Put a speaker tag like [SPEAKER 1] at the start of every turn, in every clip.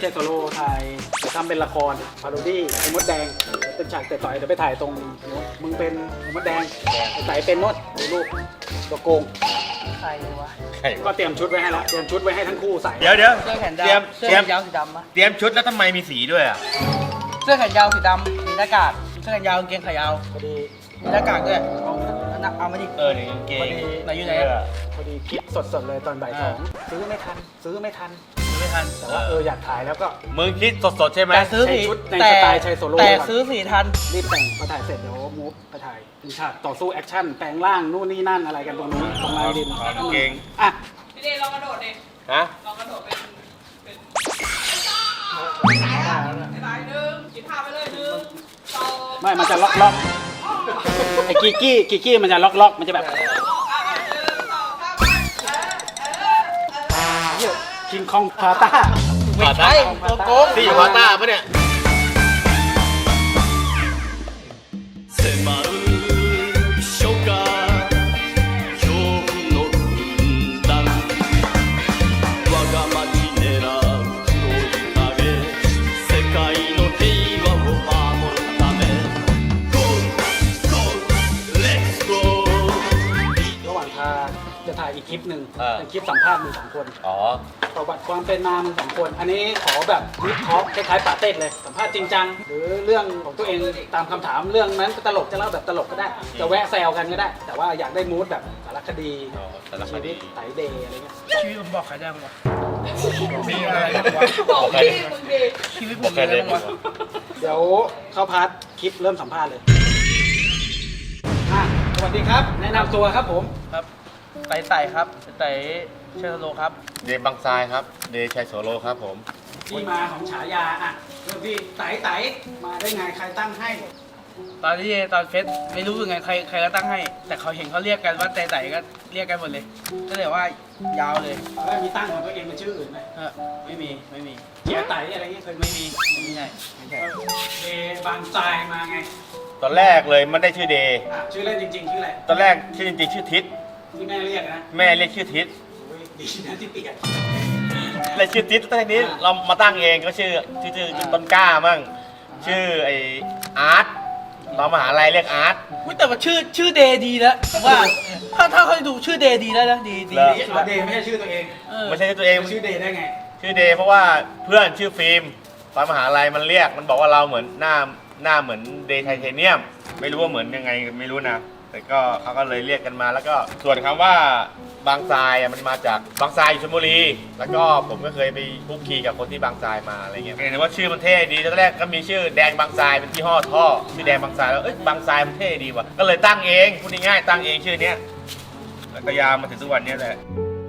[SPEAKER 1] โซโล่ถ่ายเดี๋ยวทำเป็นละครพาโรดี้ไอ้มดแดงเป็นฉากเตะต่อยเดี๋ยวไปถ่ายตรงมึงเป็นมดแดงไอ้ไต่เป็นมดดูลูกตัวโกง
[SPEAKER 2] ใครวะ
[SPEAKER 3] ใคร
[SPEAKER 1] ก็เตรียมชุดไว้ให้แล้วเตรียมชุดไว้ให้ทั้งคู่ใส่
[SPEAKER 3] เดี๋ยว
[SPEAKER 2] เสื้อแขน
[SPEAKER 3] เตรีย
[SPEAKER 2] ยาม วเสื้อ
[SPEAKER 3] เตรี
[SPEAKER 2] แข
[SPEAKER 3] ยม
[SPEAKER 2] นยาวสีดำปะ
[SPEAKER 3] เตรียมชุดแล้วทำไมมีสีด้วยอ่ะ
[SPEAKER 2] เสื้อแขนยาวสีดำมีหน้ากากเสื้อแขนยาวกางเกงขายาว
[SPEAKER 1] พอดี
[SPEAKER 2] มีหน้ากากด้วยเอามาดิ
[SPEAKER 3] นี่กางเกง
[SPEAKER 2] ไหนอยู่ไหน
[SPEAKER 1] พอดีคิดสดๆเลยตอนบ่ายสองซื้อไม่ทัน
[SPEAKER 2] ไม่ทัน
[SPEAKER 1] แต่ว่าอยากถ่ายแล้วก็
[SPEAKER 3] มึงคิดสดๆใช่ไหม
[SPEAKER 2] แต่ซื้อสี
[SPEAKER 1] ใช้ชุดใน
[SPEAKER 2] แต่
[SPEAKER 1] สไตล์ชัยโซโล่
[SPEAKER 2] แต่
[SPEAKER 1] ก่อน
[SPEAKER 2] ซื้อสีทัน
[SPEAKER 1] รีบแต่งพอถ่ายเสร็จเดี๋ยวมูฟไปถ่ายเป็นฉากต่อสู้แอคชั่นแปลงร่างนู่นนี่นั่นอะไรกันตรงนู้นตรงลายดิน
[SPEAKER 3] กางเกง
[SPEAKER 1] อ่ะ
[SPEAKER 4] พี่เดย์ลองกระโดดดิ
[SPEAKER 3] ฮะ
[SPEAKER 4] ลองกระโดดเป็นสายหนึ่งคิดท่าไปเลยหนึ่งสอง
[SPEAKER 1] ไม่มันจะล็อกไอ้กิกกี้มันจะล็อกมันจะแบบ
[SPEAKER 4] หนึ่งสองสาม
[SPEAKER 1] คิงคองพาต้า
[SPEAKER 2] ไม่ใช่ตัวโกง
[SPEAKER 3] ที่อยู่พาต้าปะเนี่ย
[SPEAKER 5] 迫る初夏恐怖の軍団我が町狙う黒い影世界の平和を守るため Go Go Let's Go
[SPEAKER 1] ระหว่างทางจะถ่ายอีกคลิปหนึ่ง
[SPEAKER 3] อ่า
[SPEAKER 1] เป็นคลิปสัมภาษณ์มึงสองคน
[SPEAKER 3] อ๋อ
[SPEAKER 1] ประวัติความเป็นมามึงสองคน อันนี้ขอแบบวิเคราะห์คล้ายๆปาเต้เลยสัมภาษณ์จริงจังหรือเรื่องของตัวเองตามคำถามเรื่องนั้นตลกจะเล่าแบบตลกก็ได้ จะแวะแซวกันก็ได้ แต่ว่าอยากได้มูดแบบสารคดี
[SPEAKER 3] อ๋อสารค
[SPEAKER 1] ชี
[SPEAKER 3] ดี
[SPEAKER 1] วิตไตเดย์อะไรเงี้ย
[SPEAKER 2] ชีวิตผมบอกใครได้บ้างวะมีอะไรบ้างวะ
[SPEAKER 4] บอกพี่มึงดี
[SPEAKER 2] ชีวิตผมมีอะไรบ้างวะ
[SPEAKER 1] เดี๋ยวเข้าพาร์ทคลิปเริ่มสัมภาษณ์เลยอ่ะสวัสดีครับ แนะนำตัวครับผม
[SPEAKER 2] ครับไต่ครับไต่เชอร์โลครับ
[SPEAKER 3] เดย์บางทรายครับ เดย์ชัยโสโลครับผม
[SPEAKER 1] ที่มาของฉายาอ่ะเริ่มที่ไต่มาได้ไงใครตั้งให้
[SPEAKER 2] ตอนที่ตอนเฟสไม่รู้ยังไงใครก็ตั้งให้ แต่เขาเห็นเขาเรียกกันว่าไต่ก็เรียกกันหมดเลยก็เลยว่ายาวเลย
[SPEAKER 1] แล้วมีตั้งของตัวเองเป็นชื่ออื่นไหม
[SPEAKER 2] ไม่มี
[SPEAKER 1] เจียไต่อะไรเงี้ยเคย
[SPEAKER 2] ไม่ใช่
[SPEAKER 1] เดบางทรายมาไง
[SPEAKER 3] ตอนแรกเลยมันได้ชื่อเดย์
[SPEAKER 1] อ่ะชื่อเล่นจริงๆชื่ออะไร
[SPEAKER 3] ตอนแรกชื่อจริงๆชื่อทิศ
[SPEAKER 1] ที่แม่เรียกนะ
[SPEAKER 3] แม่เรียกชื่อทิศ
[SPEAKER 1] โอ้ยดีนะที่เปลี่ยน
[SPEAKER 3] เลยชื่อทิศแต่ทีนี้เรามาตั้งเองก็ชื่อต้นกล้ามั่งชื่อไออาร์ตตอนมหาลัยเรียกอาร์ต
[SPEAKER 2] อุ๊ยแต่ว่าชื่อเดย์ดีแล้วว่าถ้าเขาดูชื่อเดย์ดีแล้วนะดี
[SPEAKER 3] เหรอ
[SPEAKER 1] เอาเดย์ไม่ใช่ชื่อตัวเอง
[SPEAKER 3] ไม่ใช่ตัวเอง
[SPEAKER 1] ชื่อเดย์ได้ไง
[SPEAKER 3] ชื่อเดย์เพราะว่าเพื่อนชื่อฟิล์มตอนมหาลัยมันเรียกมันบอกว่าเราเหมือนหน้าเหมือนเดย์ไทเทเนียม ไม่รู้ว่าเหมือนยังไงไม่รู้นะแต่ก็เขาก็เลยเรียกกันมาแล้วก็ส่วนคำว่าบางทรายอ่ะมันมาจากบางทรายอยู่ชลบุรีแล้วก็ผมก็เคยไปคุกคีกับคนที่บางทรายมาอะไรเงี้ยเห็นว่าชื่อมันเท่ดีตอนแรกก็มีชื่อแดงบางทรายเป็นยี่ห้อท่อชื่อแดงบางทรายแล้วบางทรายมันเท่ดีว่ะก็เลยตั้งเองพูดง่ายๆตั้งเองชื่อเนี้ยแล้วก็ยาวมาถึงทุกวันนี้แหละ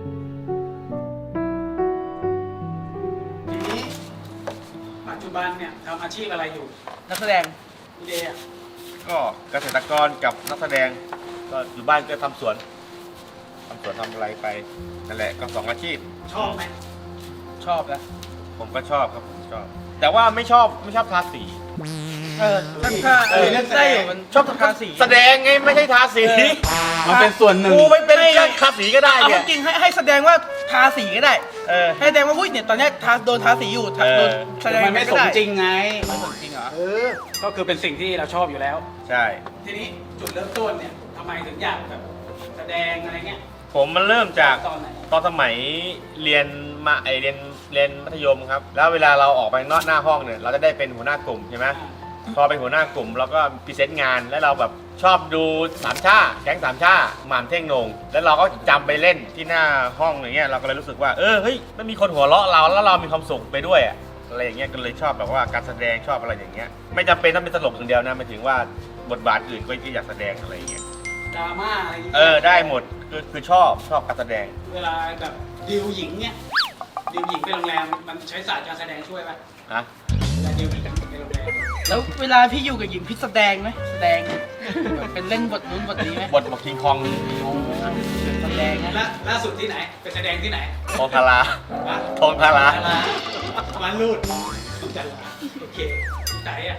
[SPEAKER 1] ทีนี้ปัจจุบันเนี่ยทำอาชีพอะไรอยู่
[SPEAKER 2] นักแสดง
[SPEAKER 1] พี่เดย์อ่ะ
[SPEAKER 3] ก็เกษตรกรกับนักแสดงก็อยู่บ้านก็ทำสวนทำอะไรไปนั่นแหละก็สองอาชีพ
[SPEAKER 1] ชอบไหม
[SPEAKER 2] ชอบนะ
[SPEAKER 3] ผมก็ชอบครับผมชอบ แต่ว่าไม่ชอบทาสี
[SPEAKER 2] ถ้าได้อยู่มันชอบทาสี
[SPEAKER 3] แสดงไงไม่ใช่ทาสี
[SPEAKER 1] มันเป็นส่วนหนึ่ง
[SPEAKER 3] กูไม่เป็นช่างทาสีก็ได้
[SPEAKER 2] เอา
[SPEAKER 3] เนี่ย
[SPEAKER 2] จริงให้แสดงว่าทาสีก็ได้
[SPEAKER 3] เออ
[SPEAKER 2] ให้แสดงว่าวุ้ยเนี่ยตอนเนี้ยโดนทาสีอยู่โดนแสดง
[SPEAKER 1] มันไม่สมจริงไง
[SPEAKER 2] ไม่สมจริงเหรอ
[SPEAKER 1] ก็คือเป็นสิ่งที่เราชอบอยู่แล้ว
[SPEAKER 3] ใช่
[SPEAKER 1] ทีนี้จุดเริ่มต้นเนี่ยทำไมถึงอยากแบบแสดงอะไรเงี้ย
[SPEAKER 3] ผมมันเริ่มจาก
[SPEAKER 1] ตอนไหน
[SPEAKER 3] ตอนสมัยเรียนเรียนมัธยมครับ แล้วเวลาเราออกไปนอกหน้าห้องเนี่ยเราจะได้เป็นหัวหน้ากลุ่มใช่ไหมพอเป็นหัวหน้ากลุ่มเราก็พรีเซนต์งานแล้วเราแบบชอบดูสามชาแก๊งสามชาหม่ำเท่งโหนงแล้วเราก็จำไปเล่นที่หน้าห้องอย่างเงี้ยเราก็เลยรู้สึกว่าเฮ้ยมันมีคนหัวเราะเราแล้วเรามีความสุขไปด้วยอะอะไรอย่างเงี้ยก็เลยชอบแบบว่าการแสดงชอบอะไรอย่างเงี้ยไม่จำเป็นต้องเป็นตลกอย่างเดียวนะหมายถึงว่าบทบาทอื่นก็อยากแสดงอะไรอย่างเงี้ย
[SPEAKER 1] ดราม่าอะไรอย่างเงี้ย
[SPEAKER 3] ได้หมดคือชอบการแสดง
[SPEAKER 1] เวลาแบบดิวหญิงเนี่ยดิวหญิงไปโรงแรมมันใช้ศาสตร์การแสดงช่วยป่ะ
[SPEAKER 3] นะ
[SPEAKER 1] เวลาดิวหญิงไปโรงแรม
[SPEAKER 2] แล้วเวลาพี่อยู่กับหญิงพี่แสดงไหมแสดงแบบเป็นเล่นบทนู้นบทนี้ไหม
[SPEAKER 3] บทคิงคอง
[SPEAKER 2] แสดงนะ
[SPEAKER 1] ล่าสุดที่ไหนไปแสดงที่ไหน
[SPEAKER 3] ทองทารา
[SPEAKER 1] วะ
[SPEAKER 3] ทองทารา
[SPEAKER 1] ดาราวันรูดจันลาโอเคใจอ่ะ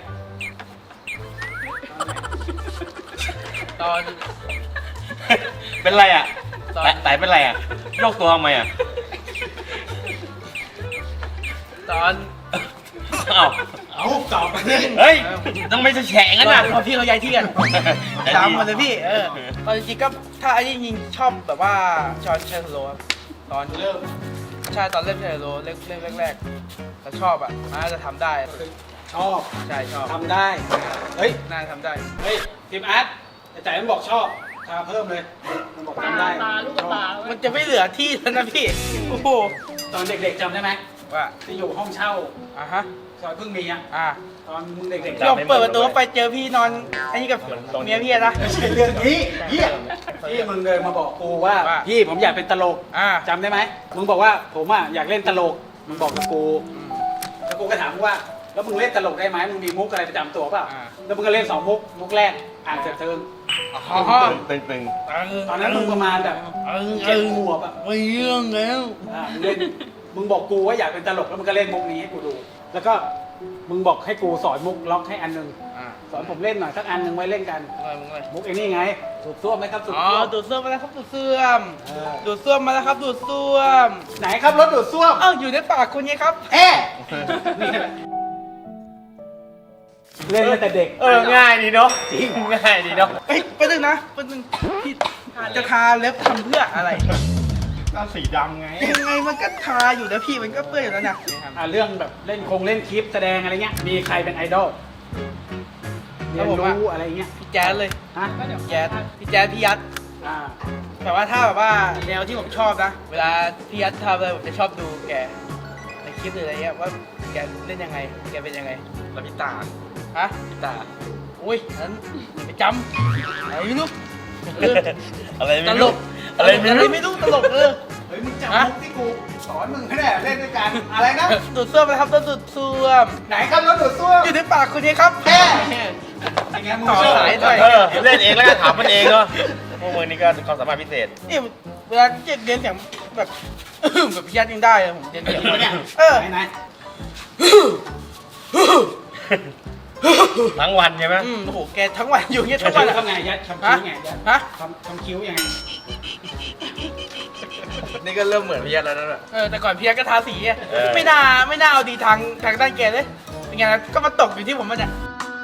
[SPEAKER 2] ตอน
[SPEAKER 3] เป็นไรอ่ะ
[SPEAKER 2] ตอน
[SPEAKER 3] ไต่เป็นไรอ่ะโยกตัวทำไมอ่ะ
[SPEAKER 2] ตอน
[SPEAKER 3] เอ้า
[SPEAKER 1] เอาตอบไปเลย
[SPEAKER 3] เฮ้ยต้องไม่แฉะงั้นน่ะ
[SPEAKER 2] พอพี่เขาย้ายที่กันตามมาเลยพี่ตอนจริงๆก็ถ้าไอ้นี่จริงชอบแบบว่าจอห์นเชสโลครับตอน
[SPEAKER 1] เริ่ม
[SPEAKER 2] ใช่ตอนเล่นเชสโลเล่นแรกๆแต่ชอบอ่ะน่าจะทำได้
[SPEAKER 1] ชอบ
[SPEAKER 2] ใช่ชอบ
[SPEAKER 1] ทำได้เฮ้ย
[SPEAKER 2] น่าจะทำได้
[SPEAKER 1] เฮ้ยทีมอาร์ตแต่ใจมันบอกชอบทาเพิ่มเลยมันบอกทำได้
[SPEAKER 4] ตาลูกตา
[SPEAKER 2] มันจะไม่เหลือที่แล้วนะพี่โอ้โห
[SPEAKER 1] ตอนเด็กๆจำได้ไหม
[SPEAKER 2] ว่า
[SPEAKER 1] ที่อยู่ห้องเช่า
[SPEAKER 2] อ่ะฮะ
[SPEAKER 1] ซอยเพิ่งมีอ่ะ
[SPEAKER 2] อ่ะ
[SPEAKER 1] ตอนมึงเด็กๆ
[SPEAKER 2] ลองเปิดประตูไปเจอพี่นอนไอ้นี่กับเมียพี่นะ
[SPEAKER 1] ไม่ใช่เรื่องนี้เฮียที่มึงเดินมาบอกกูว่า
[SPEAKER 2] ว่า
[SPEAKER 1] พี่ผมอยากเป็นตลก
[SPEAKER 2] อ่ะ
[SPEAKER 1] จำได้ไหมมึงบอกว่าผมอ่ะอยากเล่นตลกมึงบอกกับกูแล้วกูก็ถามมึงว่าแล้วมึงเล่นตลกได้ไหมมึงมีมุกอะไรประจำตัวเปล่าแล้วมึงก็เล่น2 มุกแรกอ่านเสร็จเทิง
[SPEAKER 2] อ๋อ
[SPEAKER 3] ตึง
[SPEAKER 1] ตอนนั้นมึงประมาณแบบ7 ขวบอ่ะ
[SPEAKER 2] ไม่เรื่องแล้ว
[SPEAKER 1] มึงเล่นมึงบอกกูว่าอยากเป็นตลกแล้วมึงก็เล่นมุกนี้ให้กูดู แล้วก็มึงบอกให้กูสอนมุกล็อกให้อันหนึง
[SPEAKER 2] อ่ะ
[SPEAKER 1] สอนผมเล่นหน่อยสักอันหนึ่งไว้เล่นกัน
[SPEAKER 2] มึงเลย
[SPEAKER 1] มุกไอ้นี่ไงสูบซ่วมไหมครับสูบ
[SPEAKER 2] อ๋อ
[SPEAKER 1] ซ่วม
[SPEAKER 2] ดูดซ่วมมาแล้วครับดูดซ่วม
[SPEAKER 1] เออ
[SPEAKER 2] ดูดซ่วมมาแล้วครับดูดซ่วม
[SPEAKER 1] ไหนครับรถดูดซ่วม
[SPEAKER 2] เอ้าอยู่ในปากคุณไงครับ
[SPEAKER 1] เอ๊ะนี่แหละเล่นตั้งแต่เด็ก
[SPEAKER 3] ง่ายดีเนาะจริงง่ายดีเนาะ
[SPEAKER 2] เฮ้ยไปนึงนะไปนึงพี่จะทาเล็บทำเพื่ออะไร
[SPEAKER 3] ก็สีดำไง
[SPEAKER 2] ยังไงมันก็ทาอยู่นะพี่มันก็เปื้อนอยู่แล้วนะ
[SPEAKER 1] เรื่องแบบเล่นเล่นคลิปแสดงอะไรเงี้ยมีใครเป็นไอดอลเรียนรู้อะไรเงี้ย
[SPEAKER 2] พี่แจ๊ดเลย
[SPEAKER 1] ฮะ
[SPEAKER 2] พี่แจ๊ดพี่ยัด
[SPEAKER 1] อ่า
[SPEAKER 2] แต่ว่าถ้าแบบว่าแนวที่ผมชอบนะ เวลาพี่ยัดทำอะไรผมจะชอบดูแกในคลิปหรืออะไรเงี้ยว่าแกเล่นยังไงแกเป็นยังไง
[SPEAKER 3] แล้วพี่ตา
[SPEAKER 2] ฮะ
[SPEAKER 3] พี่ตา
[SPEAKER 2] อุ้ยนั้นอย่าไปจำอะไรไม่รู้เออ
[SPEAKER 3] อะไร
[SPEAKER 2] ต
[SPEAKER 3] ไม่
[SPEAKER 2] ล
[SPEAKER 3] รู้
[SPEAKER 2] ก
[SPEAKER 3] อะไรไม่รู้
[SPEAKER 2] ไม่รู้ตลก
[SPEAKER 1] เฮ้ยมึงจำมุกที่กูสอนมึงไม่ได้เล่นด้วยกันอะไรนะ
[SPEAKER 2] ดูดซ่วมนะครับต้องดูดซ่วม
[SPEAKER 1] ไหนครับรถดูดซ่วม
[SPEAKER 2] อยู่ในปากคุณนี่ครับ
[SPEAKER 1] แค่อย่างเงี้ยมึง
[SPEAKER 2] ต่อ
[SPEAKER 1] เชื่อ
[SPEAKER 2] สายหน่อย
[SPEAKER 3] เล่นเองแล้วก็ถามมันเองเนาะพวกมึงนี่ก็ความสามารถพิเศษ
[SPEAKER 2] นี่เวลาเรียนเสียงแบบ แบบพี่ยัดยังได้เลยผมเรียนเสียง
[SPEAKER 1] เนี่ย
[SPEAKER 2] เออ
[SPEAKER 1] ไหน
[SPEAKER 3] ทั้งวันใช่ไหม
[SPEAKER 2] โอ้โหแกทั้งวันอยู่อย่างเงี้ย
[SPEAKER 1] ๆ
[SPEAKER 2] ทั้งวัน
[SPEAKER 1] ทำไงยัดทำคิ้วไงยัด
[SPEAKER 2] ฮะ
[SPEAKER 1] ทำคิ้วยังไง
[SPEAKER 3] นี่ก็เริ่มเหมือนพี่ยัดแล้วนั่นแหละ
[SPEAKER 2] แต่ก่อนพี่ยัดก็ทาสีอะ
[SPEAKER 3] เออ
[SPEAKER 2] ไม่น่าเอาดีทางด้านแกเลยเป็นไงก็มาตกอยู่ที่ผมมาเนี่ย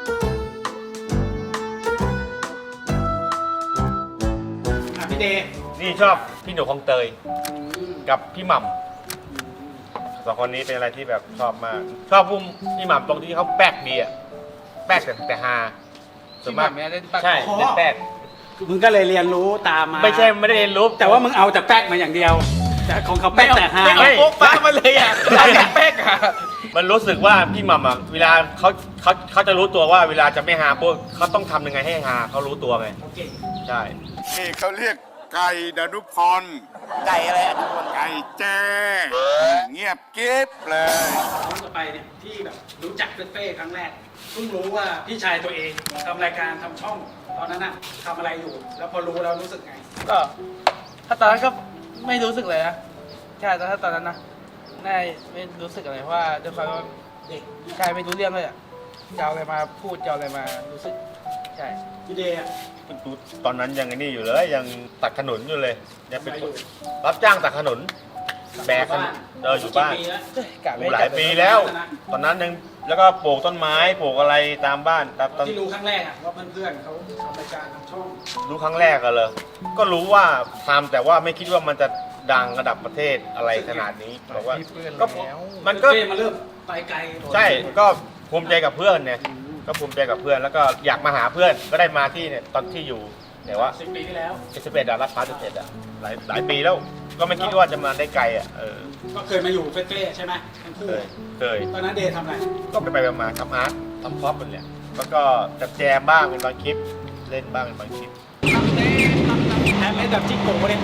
[SPEAKER 1] พี่เดย์
[SPEAKER 3] นี่ชอบพี่หนูคลองเตยกับพี่หม่ำสองคนนี้เป็นอะไรที่แบบชอบมาก ชอบพุ่มพี่หม่ำตรงที่เขาแป๊กดีอะแป๊กแต่ฮาส่วนมาก
[SPEAKER 2] ที่หม่ำเนี่ยเล่นปาก
[SPEAKER 3] ใช่เล่นแป๊ก
[SPEAKER 1] มึงก็เลยเรียนรู้ตามมา
[SPEAKER 3] ไม่ใช่ไม่ได้เรียนรู้
[SPEAKER 1] แต่ว่ามึงเอาแต่แป๊กมาอย่างเดียว แต่ของเขาแป๊กแต่ฮา
[SPEAKER 2] ไม่เอาโป๊กฟ้ามาเลยอ่ะเอาแต่แป๊กอ่ะ
[SPEAKER 3] มันรู้สึกว่าพี่หม่ำอ่ะเวลาเขาจะรู้ตัวว่าเวลาจะไม่ฮาพวกเขาต้องทำยังไงให้ฮาเขารู้ตัวไง
[SPEAKER 1] เขาเก่ง
[SPEAKER 3] ใช่
[SPEAKER 6] นี่เขาเรียกไก่ดนุพร
[SPEAKER 2] ไก่อะไรอ่ะ
[SPEAKER 6] ไก่แจ้เงียบเก็บเลย
[SPEAKER 1] ครั้งต่อไปเนี่ยที่แบบรู้จักเฟ่ๆครั้งแรกเพิ่งรู้ว่าพี่ชายตัวเองทำรายการทำช่อง ตอนนั้นน่ะทำอะไรอยู่ แล้วพอรู้แล้วรู้สึกไง
[SPEAKER 2] ก็ถ้าตอนนั้นก็ไม่รู้สึกเลยนะใช่แต่ถ้าตอนนั้นนะไม่รู้สึกอะไรเพราะว่าด้วยความว่าเด็กใช่ไม่รู้เรื่องเลยอ่ะจะเอาอะไรมาพูดจะเอาอะไรมารู้สึกใช่
[SPEAKER 1] พี่เดย์อะ
[SPEAKER 3] ตอนนั้นยังไอ้นี่อยู่เลยยังตัดขนุนอยู่เลยยังเป็นคนรับจ้างตัดขนุนแบกขนุนอยู่บ้าน
[SPEAKER 1] กี่ปีแล้ว
[SPEAKER 2] กะไม่
[SPEAKER 3] หลายปีแล้ว ตอนนั้นยังแล้วก็ปลูกต้นไม้ปลูกอะไรตามบ้านตาม
[SPEAKER 1] ที่รู้ครั้งแรกอะว่าเพื่อนๆเขาทำรายการทำช่อง
[SPEAKER 3] รู้ครั้งแรกกันเลยก็รู้ว่าทำแต่ว่าไม่คิดว่ามันจะดังระดับประเทศอะไรขนาดนี้บอกว่าก็มันก็
[SPEAKER 1] เฟ่มาเริ่มไปไกล
[SPEAKER 3] ใช่ก็ภูมิใจกับเพื่อนเนี่ยก็ภูมิใจกับเพื่อนแล้วก็อยากมาหาเพื่อนก็ได้มาที่เนี่ยตอนที่อยู่แต่ว่า
[SPEAKER 1] 10 ปีที่แล้ว
[SPEAKER 3] 11อะรับพาร์ท11อะหลายปีแล้วก็ไม่คิดว่าจะมาได้ไกลอะ
[SPEAKER 1] ก็เคยมาอยู่เฟ่ๆใช่ไหมทั้งคู่
[SPEAKER 3] เคย
[SPEAKER 1] ตอนนั้นเดย์ทำอะไร
[SPEAKER 3] ก็ไปมาทำอาร์ตทำพร็อพมันแหละแล้วก็จัดแจมบ้างเป็นบางคลิปเล่นบ้างเป็นบางคลิป
[SPEAKER 1] แฮมเมดแบบจิโก้เนี่ย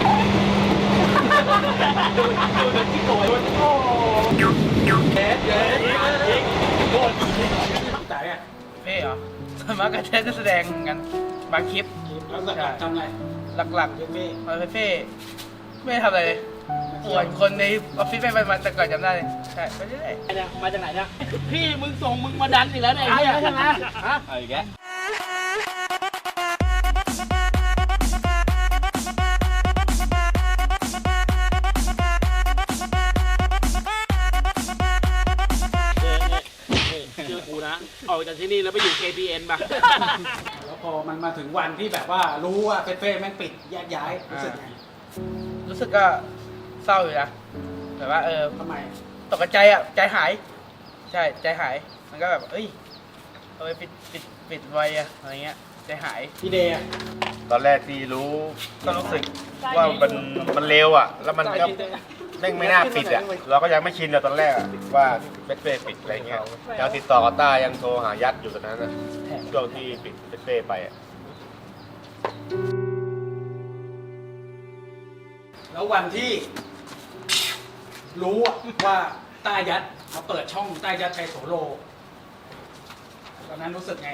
[SPEAKER 1] ดูแบบจิโก้โอ้เด็ดโดนตายอ่ะ
[SPEAKER 2] เพ่เหรอส่วนมากก็จะแสดงกันบางคลิป
[SPEAKER 1] แล้วหลักๆทำอะไร
[SPEAKER 2] หลัก
[SPEAKER 1] เฟ่
[SPEAKER 2] ๆมาเฟ่ไม่ได้ทำอะไรเลยป่วนคนในออฟฟิศไปมาแต่ก่อนจำได้เลยใช่ไปเรื่อย
[SPEAKER 4] เนี่ยมาจากไหนเนี่ยพี่มึงส่งมึงมาดันอีกแล้วเนี่ยไอ้เหี้ยใช่ไหมฮะ
[SPEAKER 3] เอาอีกแก
[SPEAKER 4] อกจากที่นี่แล้วไปอยู่ KPN ป่ะ
[SPEAKER 1] แล้วพอมันมาถึงวันที่แบบว่ารู้ว่าเฟ่แม่งปิดแยกย้ายรู้สึกไง
[SPEAKER 2] รู้สึกก็เศร้าอยู่นะแต่ว่า
[SPEAKER 1] ทำไม
[SPEAKER 2] ตกใจอ่ะใจหาย ใช่ใจหายมันก็แบบเอ้ยทำไมปิดไวอะอะไรเงี้ยใจหาย
[SPEAKER 1] พี่เดย์อะ
[SPEAKER 3] ตอนแรกที่รู้ก็รู้สึกว่ามันเร็วอ่ะ แล้วมันก็แม่งไม่น่าปิดอ่ะ เราก็ยังไม่ชินเลยตอนแรกอะว่าเบสเป้ปิดอะไรเงี้ยยังติดต่อกับต้ายังโทรหายัดอยู่ตอนนั้นนะช่วงที่ปิดเบสเป้ไปอ่ะ
[SPEAKER 1] แล้ววันที่รู้อะว่าต้ายัดมาเปิดช่องต้ายัดชัยโสโลตอนนั้นรู้สึกไง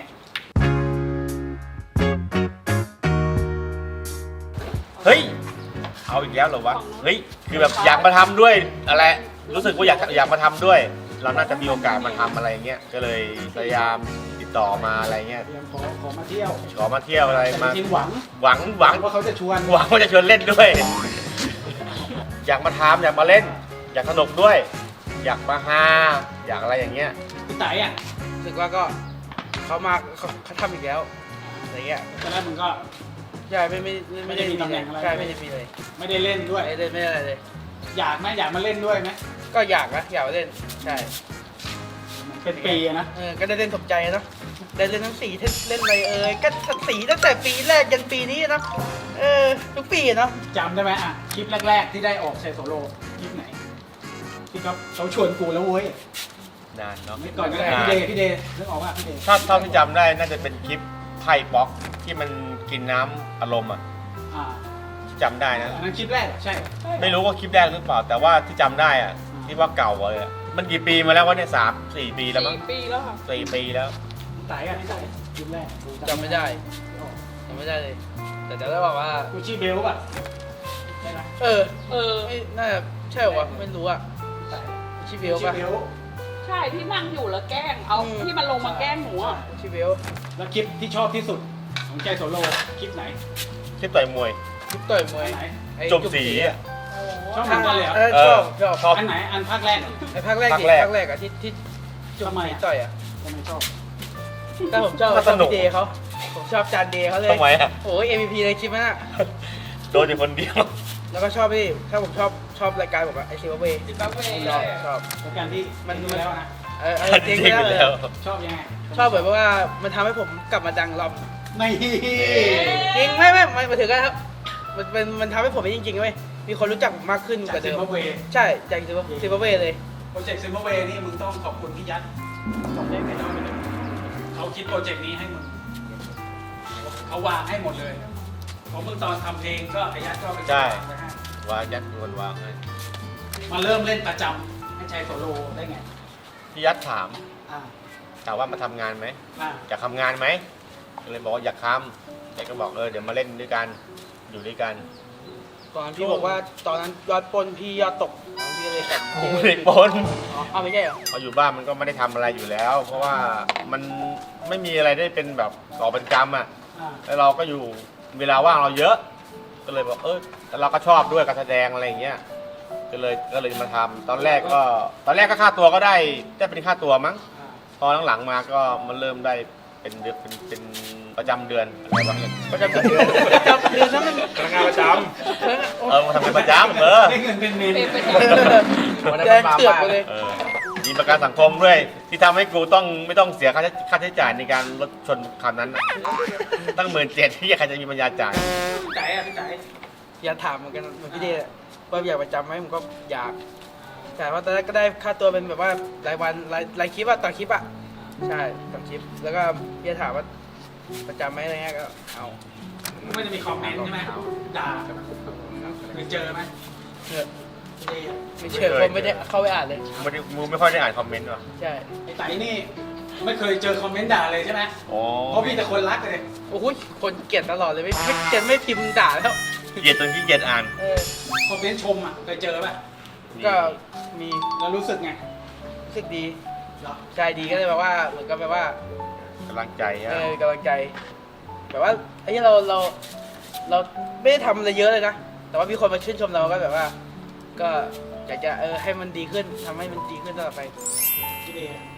[SPEAKER 3] เฮ้ย เอาอีกแล้วเหรอวะ เฮ้ย คือแบบอยากมาทำด้วยอะไร รู้สึกว่าอยากมาทำด้วย เราน่าจะมีโอกาสมาทำอะไรเงี้ย ก็เลยพยายามติดต่อมาอะไรเงี้ย
[SPEAKER 1] เตรียมขอมาเที่ยว
[SPEAKER 3] ขอมาเที่ยวอะไร
[SPEAKER 1] แต่
[SPEAKER 3] มา
[SPEAKER 1] จริงๆหวัง
[SPEAKER 3] หวัง
[SPEAKER 1] ว่าเขาจะชวน
[SPEAKER 3] หวังว่าจะชวนเล่นด้วย อยากมาทำอยากมาเล่น อยากสนุกด้วย อยากมาฮาอยากอะไรอย่างเงี้ย
[SPEAKER 1] พี่ไต่อะ
[SPEAKER 2] รู้สึกว่าก็เขาทำอีกแล้วอะไรเงี้ย
[SPEAKER 1] ตอนแรกมึงก็
[SPEAKER 2] ใช่ไม่ได้
[SPEAKER 1] มีตำแหน่งอะไร
[SPEAKER 2] ใช่ไม่ได้มีเลย
[SPEAKER 1] ไม่ได้เล่นด้วย
[SPEAKER 2] ไม่ได้อะไรเลย
[SPEAKER 1] อยากไหมอยากมาเล่นด้วยไหม
[SPEAKER 2] ก็อยากนะอยากมาเล่นใช่
[SPEAKER 1] เป็นปีอะนะ
[SPEAKER 2] ก็ได้เล่นสมใจเนาะได้เล่นทั้ง4เล่นอะไรก็สีตั้งแต่ปีแรกยันปีนี้นะทุกปีเนาะ
[SPEAKER 1] จำได้ไหมอะคลิปแรกๆที่ได้ออกชัยโสโลคลิปไหนที่เขาชวนกูแล้วเว้ย
[SPEAKER 3] นานเนาะ
[SPEAKER 1] ไม่ก่อนก็ได้พี่เดย์นึกออกว่าพี่เดย์
[SPEAKER 3] ถ้าเท่าที่จำได้น่าจะเป็นคลิปไพ่ป๊อกที่มันกินน้ำอารมณ์อ่ะ
[SPEAKER 1] อ่า
[SPEAKER 3] จำได้นะ
[SPEAKER 1] อันนั้นคลิปแรกเหรอใช่
[SPEAKER 3] ไม่รู้ว่าคลิปแรกหรือเปล่า แต่ว่าที่จำได้อ่ะที่ว่าเก่าเลยอะมันกี่ปีมาแล้ววะเนี่ย3-4 ปีแล้วมั้ง
[SPEAKER 7] 4 ปีแล้วค่ะ
[SPEAKER 3] 4 ปีแล้ว
[SPEAKER 1] พี่ไต่อะพี่ไต่คลิปแรก
[SPEAKER 2] จำไม่ได้จำไม่ได้เลย แต่จะได้บอกว่า
[SPEAKER 1] กูชื่อเบลป่ะใช่ไหม
[SPEAKER 2] ไม่น่าจะใช่เหรอวะไม่รู้อะ
[SPEAKER 1] พี่ไต่
[SPEAKER 2] ชิเบล
[SPEAKER 1] ชื่
[SPEAKER 2] ปะ
[SPEAKER 1] อเบล
[SPEAKER 7] ใช่ที่นั่งอยู่แล้วแกล้ง เอาที่มันลงมาแกล้งหนูอ่ะ
[SPEAKER 2] ชิเบล
[SPEAKER 1] แล้วคลิปที่ชอบที่สุดของชัยโสโลคลิปไหน
[SPEAKER 3] คลิปต่อยมวย
[SPEAKER 2] ทุกต่อยมวย
[SPEAKER 1] อันไหน
[SPEAKER 2] ไอ้
[SPEAKER 3] จบสีอะ
[SPEAKER 1] ชอบเหมือนกันเลยเหรอ
[SPEAKER 2] ชอบ
[SPEAKER 1] อันไหนอันภาคแรกเหรอ
[SPEAKER 2] ไอ้ภาคแรก
[SPEAKER 3] ภาคแรก
[SPEAKER 2] อะที่จุ
[SPEAKER 1] ทำไมอะ
[SPEAKER 2] ต่อยอะ
[SPEAKER 1] ทำไมชอบ
[SPEAKER 2] แต่ผมชอบ
[SPEAKER 3] ก็สนุก
[SPEAKER 2] พี่เดย์เขาผมชอบจานเดย์เขาเลย
[SPEAKER 3] ทำไมอะ
[SPEAKER 2] โอ้ย MVP ในคลิปนั้นอะ
[SPEAKER 3] โดนอยู่คนเดียว
[SPEAKER 2] แล้วก็ชอบพี่ถ้าผมชอบรายการผมอะไอซิวเวย์
[SPEAKER 7] ซิมบับเว
[SPEAKER 2] ชอบ
[SPEAKER 1] แล้วการที่มันดูแล้วนะ
[SPEAKER 2] จริง
[SPEAKER 3] จริง
[SPEAKER 2] ๆ
[SPEAKER 3] ไป
[SPEAKER 2] เลย
[SPEAKER 3] แล้ว
[SPEAKER 1] ชอบยังไง
[SPEAKER 2] ชอบแบบว่ามันทำให้ผมกลับมาดังรอบ
[SPEAKER 1] ไม่
[SPEAKER 2] จริงไม่มาถึงกันครับมันทำให้ผมเป็นจริงๆเว้ยมีคนรู้จักผมมากขึ้น
[SPEAKER 1] จาก
[SPEAKER 2] กว่า
[SPEAKER 1] ซิ
[SPEAKER 2] เดิ
[SPEAKER 1] ม
[SPEAKER 2] ม
[SPEAKER 1] บับเว
[SPEAKER 2] ใช่จากซิมบับเวเลย
[SPEAKER 1] โปรเจกต์ซิมบับเวนี่มึงต้องขอบคุณพี่ยัดขอบคุณไม่ต้องไปเลยเขาคิดโปรเจกต์นี้ให้มึงเขาวางให้หมดเลยของมึงตอนทำเพลงก็ไอ้ยัดก็ไป
[SPEAKER 3] ใช่
[SPEAKER 1] ไปให้
[SPEAKER 3] วางยัดวนวางให้
[SPEAKER 1] มาเริ่มเล่นประจำให้ชัยโสโลได้ไง
[SPEAKER 3] พี่ยัดถาม
[SPEAKER 1] อ่า
[SPEAKER 3] ว่ามาทำงานไหม
[SPEAKER 1] อ่า
[SPEAKER 3] อยากทำงานไหมก็เลยบอกว่าอยากทำแต่ก็บอกเดี๋ยวมาเล่นด้วยกันอยู่ด้วยกัน
[SPEAKER 2] ตอนพี่บอกว่าตอนนั้นยอดปนพี่ยอดตกพี่ก็เลยแบบ
[SPEAKER 3] ผมไม่ได้ปน
[SPEAKER 2] เอาไม่ใช่เหรอ
[SPEAKER 3] พออยู่บ้านมันก็ไม่ได้ทำอะไรอยู่แล้ว เพราะว่ามันไม่มีอะไรได้เป็นแบบก่อเป็นกรรมอ่ะ
[SPEAKER 1] อ่า
[SPEAKER 3] แล้วเราก็อยู่เวลาว่างเราเยอะ ก็เลยบอกแต่เราก็ชอบด้วยการแสดงอะไรอย่างเงี้ยก็เลยมาทำตอนแรกก็ค่าตัวก็ได้เป็นค่าตัวมั้ง
[SPEAKER 1] อ่า
[SPEAKER 3] พอหลังๆมาก็มันเริ่มได้เป็นเดือนเป็นประจำเดือนอะไรบ้างเนี่ย
[SPEAKER 2] ประจำเดือนนั้นมัน
[SPEAKER 3] พนักงานประจำมาทำเป็นประจำ
[SPEAKER 1] ได้เงินเป็นเมน
[SPEAKER 7] เป็นประจ
[SPEAKER 2] แดงเถือกไปเลย
[SPEAKER 3] มีประกันสังคมด้วยที่ทำให้กูไม่ต้องเสียค่าใช้จ่ายในการรถชนคันนั้นน่ะตั้ง17,000ที่ใครจะมีปัญญาจ่าย
[SPEAKER 1] พี่ไต่อะพี่ไต่
[SPEAKER 2] อยากถามเหมือนกันเหมือนพี่เดย์ว่าอยากประจำไหมผมก็อยากแต่ว่าตอนแรกก็ได้ค่าตัวเป็นแบบว่ารายวันรายคลิปอะต่อคลิปอะใช่ต่อคลิปแล้วก็พี่ถามว่าประจำไหมอะไรเงี้ยก็เอา
[SPEAKER 1] ไม่จะมีคอมเมนต์ใช่ไหมด่าเคยเจอไหม
[SPEAKER 2] เถอะ
[SPEAKER 1] พี่เดย์อะ
[SPEAKER 2] ไม่เชื่อคนไม่ได้เข้าไปอ่านเลย
[SPEAKER 3] มึงไม่ค่อยได้อ่านคอมเมนต์หรอ
[SPEAKER 2] ใช่
[SPEAKER 1] ไอ้ไต่นี่ไม่เคยเจอคอมเมนต์ด่าเลยใช่ไหม
[SPEAKER 3] โอ้
[SPEAKER 1] เพราะพี่แต่คนรักเลย
[SPEAKER 2] โอ้โหคนเกลียดตลอดเลยไม่พิมพ์ด่าแล้ว
[SPEAKER 3] เกลียดจนขี้เกียจอ่าน
[SPEAKER 1] คอมเมนต์ชมอ่ะเคยเจอป่ะ
[SPEAKER 2] ก็มี
[SPEAKER 1] แล้วรู้สึกไง
[SPEAKER 2] รู้สึกดี
[SPEAKER 1] เหรอ
[SPEAKER 2] ใจดีก็เลยแบบว่าเหมือนกับแบบว่า
[SPEAKER 3] กำลังใจฮะ
[SPEAKER 2] กำลังใจแบบว่าไอ้ที่เราไม่ได้ทำอะไรเยอะเลยนะแต่ว่ามีคนมาชื่นชมเราก็แบบว่า ก็อยากจะให้มันดีขึ้นทำให้มันดีขึ้นตลอดไป
[SPEAKER 1] พี่เดย์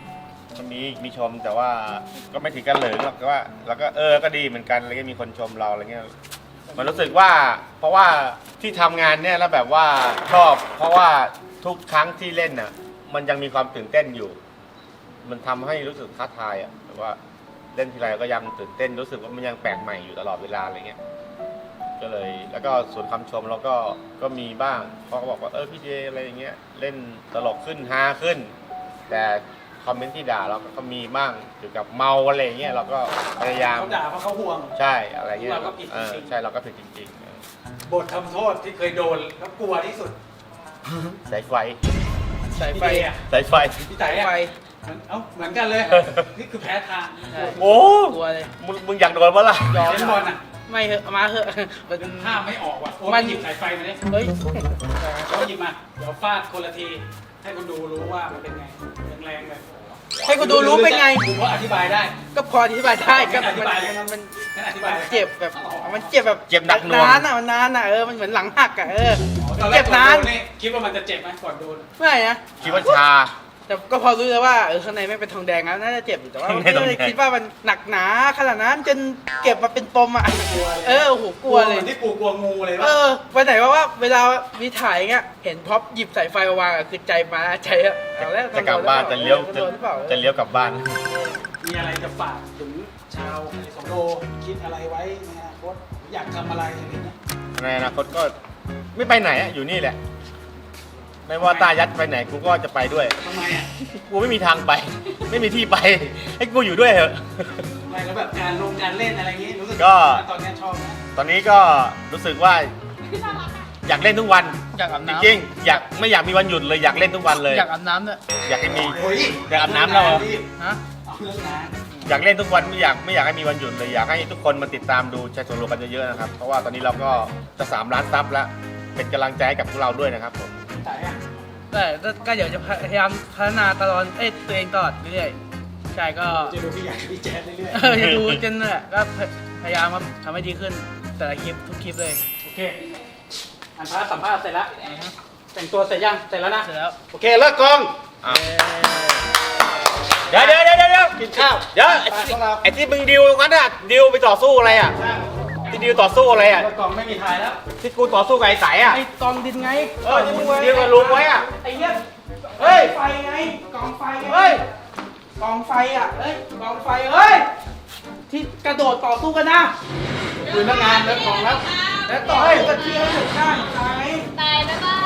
[SPEAKER 3] ก็มีชมแต่ว่าก็ไม่ถึงกันเหลิงหรอกแต่ว่าเราก็ก็ดีเหมือนกันแล้วก็มีคนชมเราอะไรเงี้ยมันรู้สึกว่าเพราะว่าที่ทำงานเนี่ยแล้วแบบว่าชอบเพราะว่าทุกครั้งที่เล่นน่ะมันยังมีความตื่นเต้นอยู่ มันทำให้รู้สึกท้าทายอ่ะแบบว่าเล่นทีไรก็ยังตื่นเต้นรู้สึกว่ามันยังแปลกใหม่อยู่ตลอดเวลาอะไรเงี้ยก็เลยแล้วก็ส่วนคำชมเราก็มีบ้างเขาก็บอกว่าพี่เจอะไรอย่างเงี้ยเล่นตลกขึ้นฮาขึ้นแต่คอมเมนต์ที่ด่าเราก็มีบ้างเกี่ยวกับเมาอะไรเงี้ยเราก็พยายาม
[SPEAKER 1] เขาด่าเพราะเขาห่วง
[SPEAKER 3] ใช่อะไรเงี้ย
[SPEAKER 1] เราก็ผิดจริงๆ
[SPEAKER 3] ใช่เราก็ผิดจริง
[SPEAKER 1] บททำโทษที่เคยโดนแล้วกลัวที่สุด
[SPEAKER 3] ๆสายไฟ
[SPEAKER 2] สายไฟ
[SPEAKER 1] พี่เดอะ
[SPEAKER 3] สายไฟ
[SPEAKER 1] พี่ไต่อะ
[SPEAKER 2] ไฟ
[SPEAKER 1] เหมือนกันเลย นี่คือแพ้ทาง
[SPEAKER 2] ใช่
[SPEAKER 3] โอ้
[SPEAKER 2] กลัวเลย
[SPEAKER 3] มึงอยากโดนปะล่ะ
[SPEAKER 2] ยอม
[SPEAKER 1] เล่นบอลอ่ะ
[SPEAKER 2] ไม่เหอะมาเหอะมัน
[SPEAKER 1] ห้ามไม่ออกว่ะโอ้
[SPEAKER 2] มั
[SPEAKER 1] มัน นหยิบสายไฟมาดิ
[SPEAKER 2] เฮ้ย
[SPEAKER 1] เขาหยิบมา เดี๋ยวฟาดคนละที ให้คนดูรู้ว่ามันเป็นไงแรงๆเลย
[SPEAKER 2] ให้คนดูรู้เป็นไง
[SPEAKER 1] ดูว่าอธิบายได้
[SPEAKER 2] ก็พออธิบายได้ก็
[SPEAKER 1] อธิบายเลย
[SPEAKER 2] มัน
[SPEAKER 1] งั้นอธิบายเลย
[SPEAKER 2] เจ็บแบบมันเจ็บแบบ
[SPEAKER 3] เจ็บหนักหน่วง
[SPEAKER 2] นานอ่ะมันนานอ่ะมันเหมือนหลังหักอ่ะ
[SPEAKER 1] ตอนแร
[SPEAKER 2] เจ็
[SPEAKER 1] ก
[SPEAKER 2] บ
[SPEAKER 1] ก่อน
[SPEAKER 2] นาน
[SPEAKER 1] โดนนี่คิดว่ามันจะเจ็บไหมก่อนโดน
[SPEAKER 2] ไม่นะ
[SPEAKER 3] คิดว่าชา
[SPEAKER 2] แต่ก็พอรู้แล้วว่าข้างในไม่เป็นทองแดงแล้วน่าจะเจ็บอยู่แต่ว่า
[SPEAKER 3] ข้างใน
[SPEAKER 2] ไม่
[SPEAKER 3] ทองแด
[SPEAKER 2] ได้
[SPEAKER 3] ง
[SPEAKER 2] คิดว่ามันหนักหนาขนาดนั้นจนเก็บมาเป็นปมอ่ะโอ้โหกลัวเลย
[SPEAKER 1] หมือนที่กูกลัวงูเลย
[SPEAKER 2] เอ
[SPEAKER 1] ว่า
[SPEAKER 2] วันไหนว่าเวลาวิถ่ายเงี้ยเห็นพ็อปหยิบสายไฟมาวางอะคือใจมาใจอะเอาแล้ว
[SPEAKER 3] จะกลับบ้านจะเลี้ยว
[SPEAKER 2] โดนหรือเปล่า
[SPEAKER 3] จะเลี้ยวกลับบ้าน
[SPEAKER 1] มีอะไรจะฝากถึงชาวสองโลคิดอะไรไว้ในอนาคตอยากทำอะไรอะไรเงี้ย
[SPEAKER 3] ในอนาคตก็ไม่ไปไหนอะอยู่นี่แหละ ไม่ว่าตายัดไปไหนกูก็จะไปด้วย
[SPEAKER 1] ทำไมอ่ะ
[SPEAKER 3] กูไม่มีทางไป ไม่มีที่ไป ให้กูอยู่ด้วยเถอะ
[SPEAKER 1] ไม่แล้วแบบการเล่นอะไรเงี้ยรู้สึก
[SPEAKER 3] ก็
[SPEAKER 1] ตอนเนี้ยชอบนะ
[SPEAKER 3] ตอนนี้ก็รู้สึกว่าอยากเล่นทุกวัน
[SPEAKER 2] อยากอาบ
[SPEAKER 3] จ
[SPEAKER 2] น้ำ
[SPEAKER 3] ริงๆอยากไม่อยากมีวันหยุดเลยอยากเล่นทุกวันเลย
[SPEAKER 2] อยากอาบน้ำด้วย
[SPEAKER 3] อยากให้มี
[SPEAKER 1] โอ้ย
[SPEAKER 3] อยากอาบน้ำแล้วเหรอ
[SPEAKER 2] ฮะ
[SPEAKER 1] เอาเรื่องงาน
[SPEAKER 3] อยากเล่นทุกวันไม่อยากให้มีวันหยุดเลยอยากให้ทุกคนมาติดตามดูชายโซโลกันเยอะๆนะครับเพราะว่าตอนนี้เราก็จะ3 ล้านซับแล้วเป็นกำลังใจให้กับพวกเราด้วยนะครับผม
[SPEAKER 1] แต่อะ
[SPEAKER 2] แต่ก็เดี๋ยวจะพยายามพัฒนาตลอดตัวเองตลอดเรื่อยๆใช่ก็
[SPEAKER 1] จะดูพี่ใหญ่พี่แจ๊ดเรื่อย
[SPEAKER 2] จะดูจนเนี่ยก็พยายามครับทำให้ดีขึ้นแต่ละคลิปทุกคลิปเลย
[SPEAKER 1] ๆโอเคอันพาร์ทสัมภาษณ์เสร็จแล้วแต่งตัวเสร็จยังเสร็จแล้วนะ
[SPEAKER 2] เสร็จแล้ว
[SPEAKER 1] โอเคเลิกกอง
[SPEAKER 3] อ่ะเดี๋ยว
[SPEAKER 1] กินข้าว
[SPEAKER 3] เดี๋ยว
[SPEAKER 1] ไปพวกเรา
[SPEAKER 3] ไอ้ที่มึงดิวกันน่ะดิวไปต่อสู้อะไรอ่ะที่ดิวต่อสู้อะไรอ่ะ
[SPEAKER 1] เลิกกองไม่มีทายแล้ว
[SPEAKER 3] ที่กูต่อสู้กับไอ้สายอ่ะ
[SPEAKER 2] ไอ้กองดินไง
[SPEAKER 3] ที่มึงดิวกับลุงไว้อ่ะ
[SPEAKER 2] ไอ้เหี้ย
[SPEAKER 3] เฮ้ย
[SPEAKER 2] ไฟไงกองไฟไง
[SPEAKER 3] เฮ้ย
[SPEAKER 2] กองไฟอ่ะเฮ้ยกองไฟเฮ้ยที่กระโดดต่อสู้กันนะ
[SPEAKER 1] คุยเรื่องงานเลิกกองแล้ว
[SPEAKER 2] แล้วต่อสู้กันที่ให้ถึงได้ไง
[SPEAKER 7] ตายบ๊ายบาย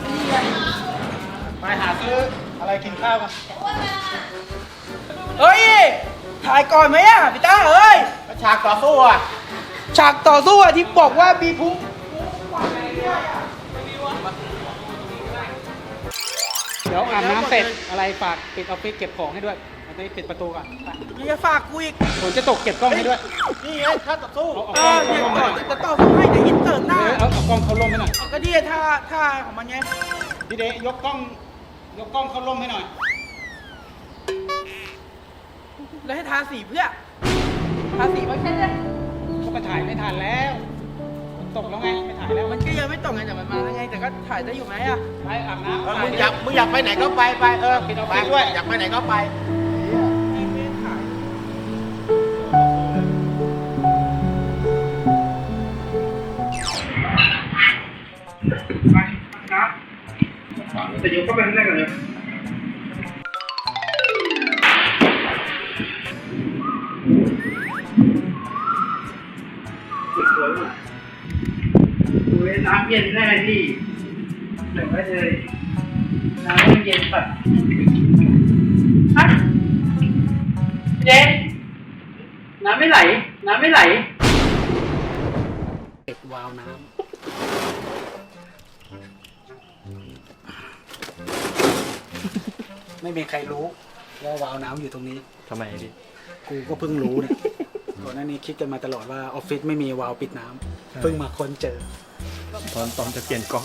[SPEAKER 1] ไปหาซื้ออะไรกินข้าวกัน
[SPEAKER 2] เฮ้ยถ่ายก่อนไหมอ่ะพี่ต้าเอ้ย
[SPEAKER 3] ฉากต่อสู้อ่ะ
[SPEAKER 2] ฉากต่อสู้อ่ะที่บอกว่ามีพุง
[SPEAKER 1] เดี๋ยวอาบน้ำเสร็จอะไรฝากปิดออฟฟิศเก็บของให้ด้วยมันจะปิดประตูก่อนไป
[SPEAKER 2] นี่จะฝากกูอีก
[SPEAKER 1] ฝนจะตกเก็บกล้องให้ด้วย
[SPEAKER 3] นี่ไงถ้าต่อสู้
[SPEAKER 1] เอา
[SPEAKER 2] เอ
[SPEAKER 1] เอากล้
[SPEAKER 2] อ
[SPEAKER 1] อง
[SPEAKER 2] เนี่ย
[SPEAKER 1] เข้าลมให้หน่อย
[SPEAKER 2] จะต่อสู้ให้เดี๋ยวอินเตอร์หน้า
[SPEAKER 1] เอากล้องเข้าลมให้หน่อย
[SPEAKER 2] เอาก็ดีท่าของมันไง
[SPEAKER 1] พี่เดยกกล้องเข้าลมให้หน่อย
[SPEAKER 2] แล้วให้ทาสีเพื่อทาสีมาแค่นี้
[SPEAKER 1] เขาไปถ่ายไม่ทันแล้วฝนตกแล้วไงไม่ถ่ายแล้ว
[SPEAKER 2] มันก็ยังไม่ตกไงแต่มันมาแล้วไงแต่ก็ถ่ายได้อยู่ไหมอ่ะ
[SPEAKER 1] ไปอาบน้ำ
[SPEAKER 3] มึงอยากไปไหนก็ไปไปด้วยอยากไปไหนก็ไป
[SPEAKER 2] ไม่ได้ถ่าย
[SPEAKER 1] แต่เดี๋ยวก็ไปข้างในกันเลย
[SPEAKER 2] น้ำเย็นได้ไหมพี่เดี๋ยวไว้เลยน้ำไม่เย็นปัดฮะเจ๊น้ำไม่ไหล
[SPEAKER 1] ปิดวาล์วน้ำไม่มีใครรู้ว่าวาล์วน้ำอยู่ตรงนี้
[SPEAKER 3] ทำไมดิ
[SPEAKER 1] กูก็เพิ่งรู้เนี่ยก่อนหน้านี้คิดกันมาตลอดว่าออฟฟิศไม่มีวาล์วปิดน้ำเพิ่งมาค้นเจอ
[SPEAKER 3] ตอนจะเปลี่ยนกล้อง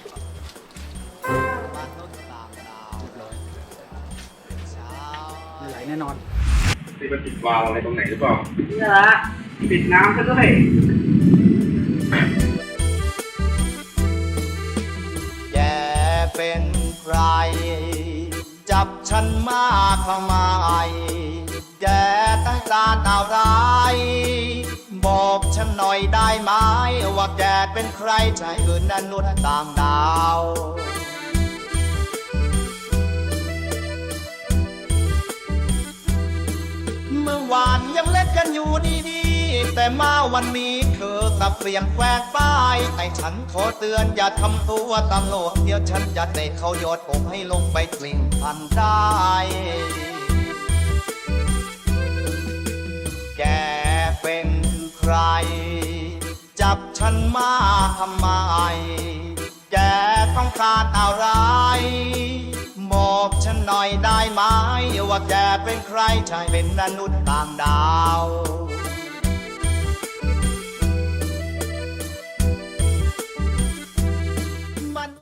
[SPEAKER 1] ไม่ไหลแน่นอน
[SPEAKER 3] ที่มันติดวาล์วอะไรตรงไหนหรือเปล่า
[SPEAKER 2] นี่ละปิดน้ำซะด้วย
[SPEAKER 5] แกเป็นใคร จะ
[SPEAKER 8] บฉันมาทำไมแกต้องการอะไรบอกฉันหน่อยได้ไหมว่าแกเป็นใครใช่หรือมนุษย์ต่างดาวเมื่อวานยังเล่นกันอยู่ดีๆแต่มาวันนี้เธอกลับเปลี่ยนแปลงไปแต่ฉันขอเตือนอย่าทำตัวตลกเดี๋ยวฉันจะเตะเขาโยนผมให้ลงไปกลิ้งพันได้ แกเป็นใครจับฉันมาทำไมแกต้องการอะไรบอกฉันหน่อยได้ไหมว่าแกเป็นใครใช่เป็นมนุษย์ต่างดาว